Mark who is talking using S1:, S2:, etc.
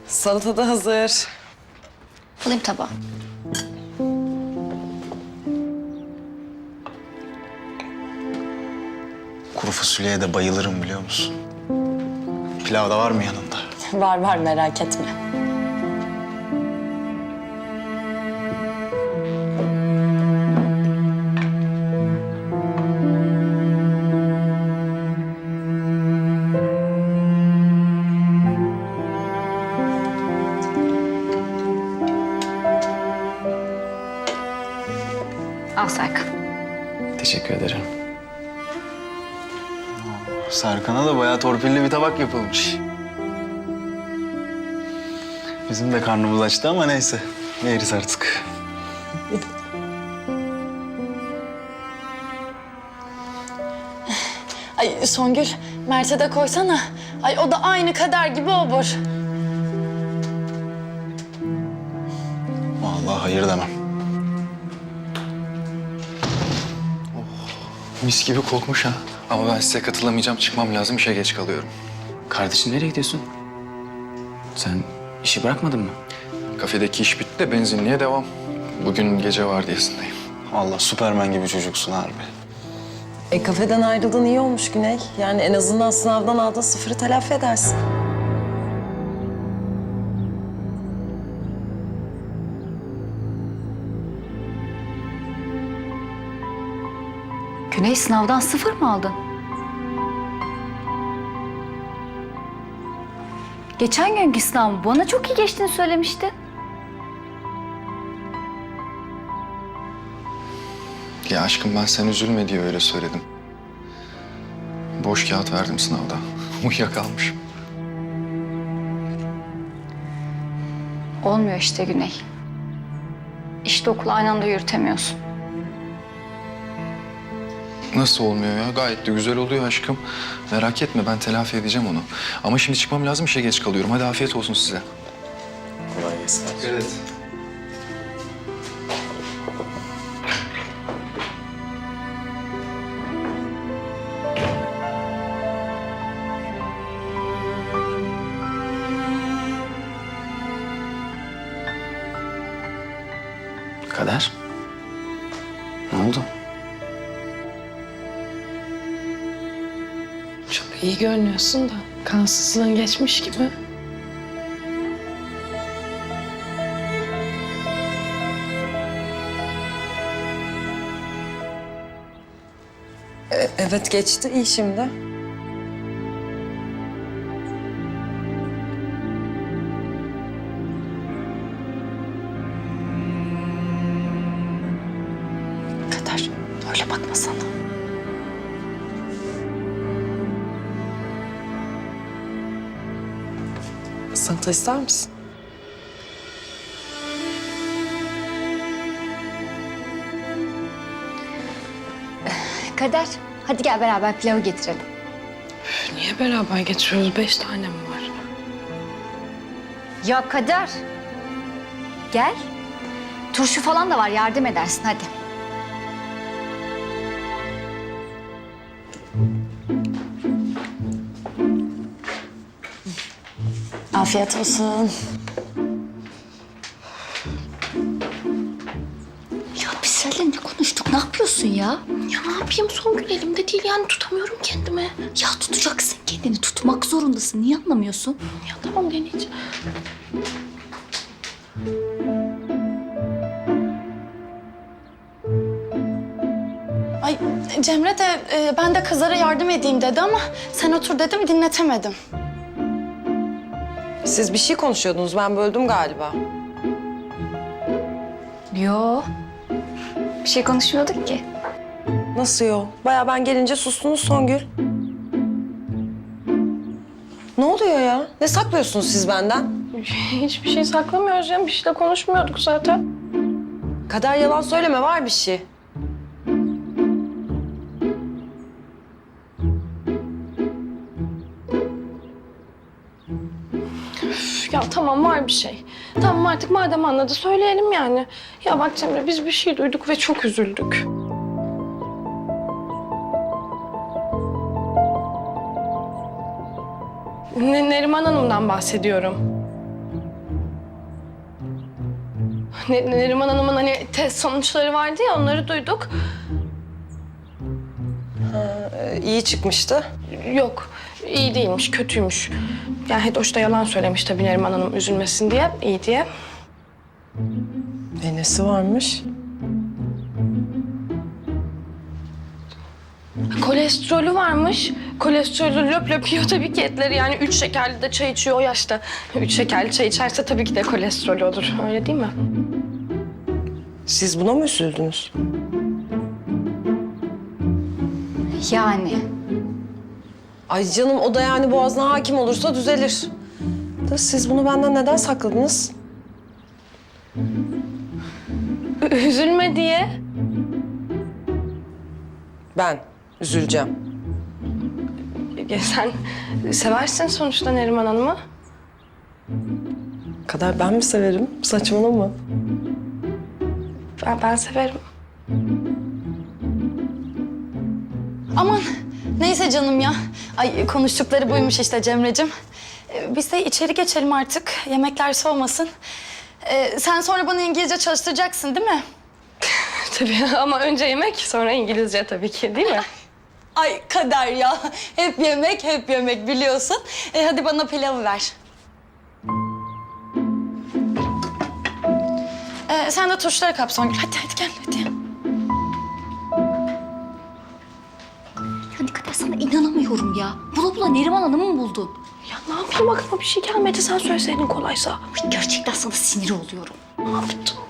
S1: Salata da hazır.
S2: Alayım tabağı.
S3: Kuru fasulyeye de bayılırım biliyor musun? Pilav da var mı yanında?
S1: Var var, merak etme.
S2: Al Serkan.
S3: Teşekkür ederim. Serkan'a da bayağı torpilli bir tabak yapılmış. Bizim de karnımız açtı ama neyse. Yeriz artık.
S1: Ay Songül, Mert'e de koysana. Ay o da aynı Kader gibi obur.
S3: Vallahi hayır demem.
S4: Mis gibi kokmuş ha. Ama ben size katılamayacağım. Çıkmam lazım. İşe geç kalıyorum.
S5: Kardeşim nereye gidiyorsun? Sen işi bırakmadın mı?
S4: Kafedeki iş bitti de benzinliğe devam. Bugün gece vardiyasındayım.
S3: Vallahi Süpermen gibi çocuksun harbi.
S1: Kafeden ayrıldığın iyi olmuş Güney. Yani en azından sınavdan aldığın sıfırı telafi edersin.
S2: Güney, sınavdan 0 mı aldın? Geçen günkü sınav bana çok iyi geçtiğini söylemişti.
S4: Ya aşkım ben sen üzülme diye öyle söyledim. Boş kağıt verdim sınavda. Uyuyakalmışım.
S2: Olmuyor işte Güney. İşte okulu aynı anda yürütemiyorsun.
S4: Nasıl olmuyor ya? Gayet de güzel oluyor aşkım. Merak etme ben telafi edeceğim onu. Ama şimdi çıkmam lazım. İşe geç kalıyorum. Hadi afiyet olsun size.
S3: Kolay gelsin.
S4: Evet.
S5: Kader. Ne oldu?
S6: Çok iyi görünüyorsun da kansızlığın geçmiş gibi.
S1: Evet geçti, iyi şimdi. Kader, öyle bakma sana. Salata ister misin?
S2: Kader, hadi gel beraber pilavı getirelim.
S6: Niye beraber geçiyoruz? 5 tane mi var?
S2: Ya Kader. Gel. Turşu falan da var, yardım edersin hadi.
S1: Afiyet olsun.
S2: Ya biz seninle ne konuştuk, ne yapıyorsun ya?
S6: Ya ne yapayım? Songül elimde değil yani tutamıyorum kendimi.
S2: Ya tutacaksın kendini, tutmak zorundasın. Niye anlamıyorsun?
S6: Ya tamam deneyeceğim.
S7: Ay Cemre de ben de kızlara yardım edeyim dedi ama sen otur dedim dinletemedim.
S1: Siz bir şey konuşuyordunuz, ben böldüm galiba.
S2: Yo. Bir şey konuşmuyorduk ki.
S1: Nasıl yo? Bayağı ben gelince sustunuz Songül. Ne oluyor ya? Ne saklıyorsunuz siz benden?
S6: Hiçbir şey saklamıyoruz ya. Bir şey de konuşmuyorduk zaten.
S1: Kader yalan söyleme, var bir şey.
S6: Ya tamam var bir şey. Tamam artık madem anladı söyleyelim yani. Ya bak Cemre biz bir şey duyduk ve çok üzüldük. Neriman Hanım'dan bahsediyorum. Neriman Hanım'ın hani test sonuçları vardı ya, onları duyduk.
S1: İyi çıkmıştı.
S6: Yok, iyi değilmiş, kötüymüş. Yani Hedoş da yalan söylemiş tabii Neriman Hanım üzülmesin diye, iyi diye.
S1: Nesi varmış?
S6: Kolesterolü varmış. Kolesterolü löp löp yiyor tabii ki etleri. Yani 3 şekerli de çay içiyor o yaşta. 3 şekerli çay içerse tabii ki de kolesterolü olur. Öyle değil mi?
S1: Siz buna mı üzüldünüz?
S2: Yani.
S1: Ay canım, o da yani boğazına hakim olursa düzelir. Da siz bunu benden neden sakladınız?
S6: Üzülme diye.
S1: Ben üzüleceğim.
S6: Ya sen seversin sonuçta Neriman Hanım'ı.
S1: Kadar ben mi severim? Saçmalama.
S6: Ben severim.
S7: Aman neyse canım ya. Ay konuştukları buymuş işte Cemre'cim. Biz de içeri geçelim artık. Yemekler soğumasın. Sen sonra bana İngilizce çalıştıracaksın değil mi?
S6: Tabii ama önce yemek sonra İngilizce tabii ki değil mi?
S7: Ay kader ya. Hep yemek biliyorsun. Hadi bana pilavı ver. Sen de turşuları kap Songül. Hadi gel hadi.
S2: Ya ne kadar sana inanamıyorum ya. Bula bula Neriman Hanım'ı mı buldun?
S6: Ya ne yapayım, aklıma bir şey gelmedi, sen söyleseydin kolaysa.
S2: Ay, gerçekten sana sinir oluyorum.
S6: Ne yaptım?